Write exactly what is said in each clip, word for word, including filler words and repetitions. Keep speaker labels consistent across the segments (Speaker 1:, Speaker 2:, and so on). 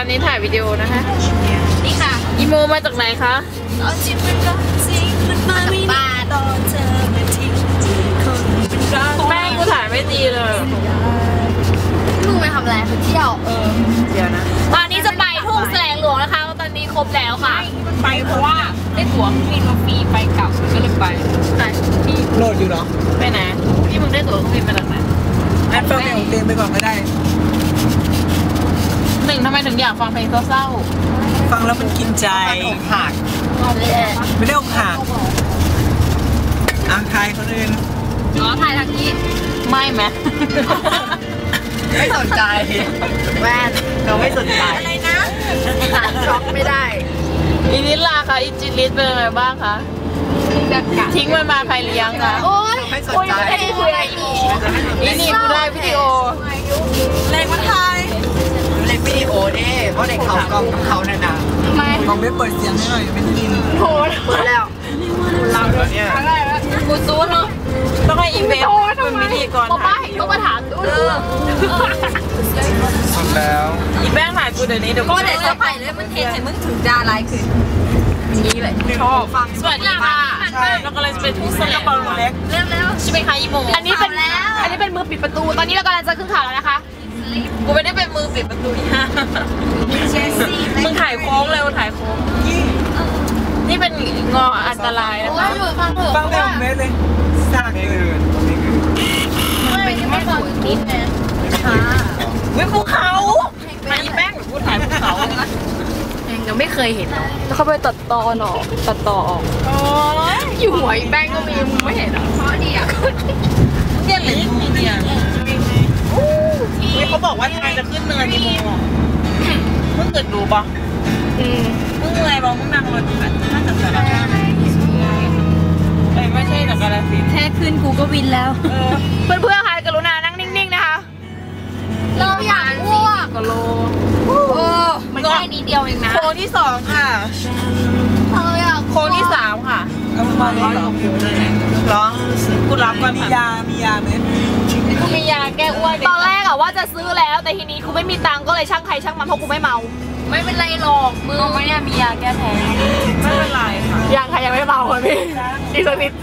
Speaker 1: อนนี้ถ่ายวิดีโอนะคะ
Speaker 2: นี่ค่ะ
Speaker 1: อีโมมาจากไหนคะ
Speaker 2: เอาจริงมันรักจริงมันมาไม่ได้ตอนเธอมาทิ้งคนเป็นรัก
Speaker 1: แม่กูถ่ายไม่ดีเลย
Speaker 2: มึงไปทำอะไรไปเที่ยวเออ
Speaker 1: เดี๋ยวนะ
Speaker 2: ตอนนี้จะไปทุ่งแสลงหลวงนะคะตอนนี้ครบแล้วค่ะ
Speaker 1: ไปเพราะว่าได้ตั๋วเครื่องบินมาฟรีไปกลับก็เลยไป
Speaker 3: ที่โหลดอยู่เหรอ
Speaker 1: ไปไหนที่มึงได้ตั๋วเครื่องบินมาจากไหน
Speaker 3: อันฟังเพลงของเต็มไปก่อนก็ได้
Speaker 1: หนึ่งทำไมถึงอยากฟังเพลงเศร้า
Speaker 3: ฟังแล้วมันกินใจอกหักไม่ได้อกหักอ่างทายคนอื่น
Speaker 2: อ๋อถ่ายทางนี้
Speaker 1: ไม่ไหม
Speaker 3: ไม่สนใจ
Speaker 2: แว่น
Speaker 3: เราไม่สนใจ
Speaker 2: อะไรนะหาช็อกไม่ได้
Speaker 1: อีนิลาค่ะอีจิลิสเป็นไงบ้างคะทิ้งมันมาใครเลี้ยงคะ
Speaker 2: โอ๊ย
Speaker 3: ไม่สนใจ
Speaker 2: ไม่ได้คุยอี
Speaker 1: อีนี่กูได้วิดีโอ
Speaker 2: เล็กมาไทย
Speaker 3: เล่นวิดีโอเด้เพราะเด็กเขากล้องเขาเนี่ยนะ
Speaker 2: ไม่
Speaker 3: กล้องไม่เปิดเสียงให้หน่อยไม่ได้ยิน
Speaker 2: โหเปิดแล้ว
Speaker 3: เราเนี่ย
Speaker 2: อะไรวะกูซูนเนาะ
Speaker 1: ต้องให้อีเวนต์เป็นพิธีกร
Speaker 2: ถ่ายต้องมาถามดู
Speaker 3: สุดแล้ว
Speaker 1: อีแป้งถ่ายกูเดี๋ยวนี้เดี๋ยว
Speaker 2: ก็เดี๋ยวจะไปเลยมันเทนเห็นมึงถึงดาไลค์คือนี้เลย
Speaker 1: ชอบฟังสวัสดีค่ะเรากำลังจะไปทุ่งสงกระเป๋าเล็ก
Speaker 2: เร็ว
Speaker 1: ๆใช่ไหมคะอีโม
Speaker 2: อันนี้เป็นอันนี้เป็นมือปิดประตูตอนนี้เรากำลังจะขึ้นข่าวแล้วนะคะ
Speaker 1: กูไม่ได้เป็นมือปิดประตูนี่ฮะมึงถ่ายโค้งเร็วถ่ายโค้งนี่เป็นงออันตรายนะคะ
Speaker 2: ฟังเถอะ
Speaker 3: ฟังเพลงของเมสเลยสร้างเกิน
Speaker 2: มันเป็นแค่ฟังนิดนะค่ะ
Speaker 1: วิภูเขามาอีแป้งพูดถ่ายภูเขา
Speaker 2: ยังไม่เคยเห็นแล้วเขาไปตัดตอนออกตัดต่อออก
Speaker 1: โอ้ย
Speaker 2: อยู่หัวอีแป้งก็มีมึงไม่เห็นหรอเพราะดีอ่ะ
Speaker 1: เกี่ยเลยมีเดียเขาบอกว่าทางจะขึ้นเนินอีโมมึงเกิดดูป่ะมึงอะไรบ้างมึงนั่งรถน่าจะสารภาพเอ้ยไม่ใช่จากกาฬสินธุ์
Speaker 2: แค่ขึ้นกูก็วินแล้วเพื่อนเพื่อนค่ะกรุณานั่งนิ่งๆนะคะเราอยากอ้วก
Speaker 1: กโล
Speaker 2: โอ้มันแค่นิดเดียวเองนะ
Speaker 1: โค้งที่สองค่ะ
Speaker 2: เราอยาก
Speaker 1: โค้งที่สามค่ะ
Speaker 3: เอามาเลยเหรอ
Speaker 1: เหรอกูรับก่อน
Speaker 3: มียามียาไหม
Speaker 1: กูมียาแก้อ้วน
Speaker 2: ตอนแรกอะว่าจะซื้อแล้วแต่ทีนี้กูไม่มีตังค์ก็เลยช่างใครช่างมันเพราะกูไม่เมาไม่เป็นไรหรอกมึงไม่เนี่ยมียาแก้แพ้
Speaker 1: ไม่เป็นไรค่ะ
Speaker 2: ยังใครยังไม่เมาเลยพี่อีกสักนิด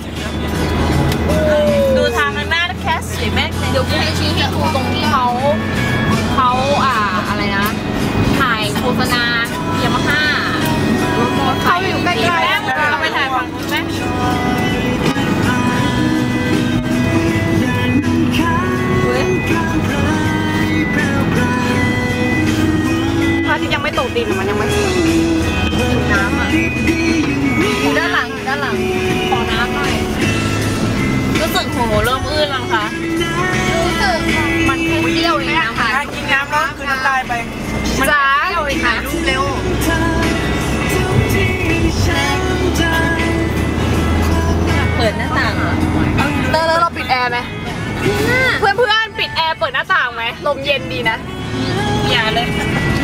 Speaker 1: ดูทางข้างหน้าแคสสิแม่
Speaker 2: เดี๋ยวกูให้ชี้ให้ดูตรงที่เขาเขาอ่าอะไรนะถ่ายโฆษณายามาฮ่าเขาอยู่ใกล้ๆแล้ว
Speaker 1: เอาไปถ่ายฝั่งนู้นไหม
Speaker 2: พระอาทิตย์ยังไม่ตกดินมันยังไม่ถึงน้ำอ่ะอยู่ด้านหลังอยู่ด้านหลังขอน้ำหน่อย
Speaker 1: รู้สึกโหเริ่มอื้นแล้วค่ะ
Speaker 2: รู้สึกมันแค่เที่ยวเองนะค่ะ
Speaker 3: กินน้ำแล้วคือน้ำลายไป
Speaker 2: จ้าเที่ยวเองนะรูปเร็ว
Speaker 1: เปิดหน้าต่าง
Speaker 2: เตอร์แล้วเราปิดแอร์ไหมเพื่อนเพื่อนปิดแอร์เปิดหน้าต่างไหมลมเย็นดีนะ
Speaker 1: อย่าเลย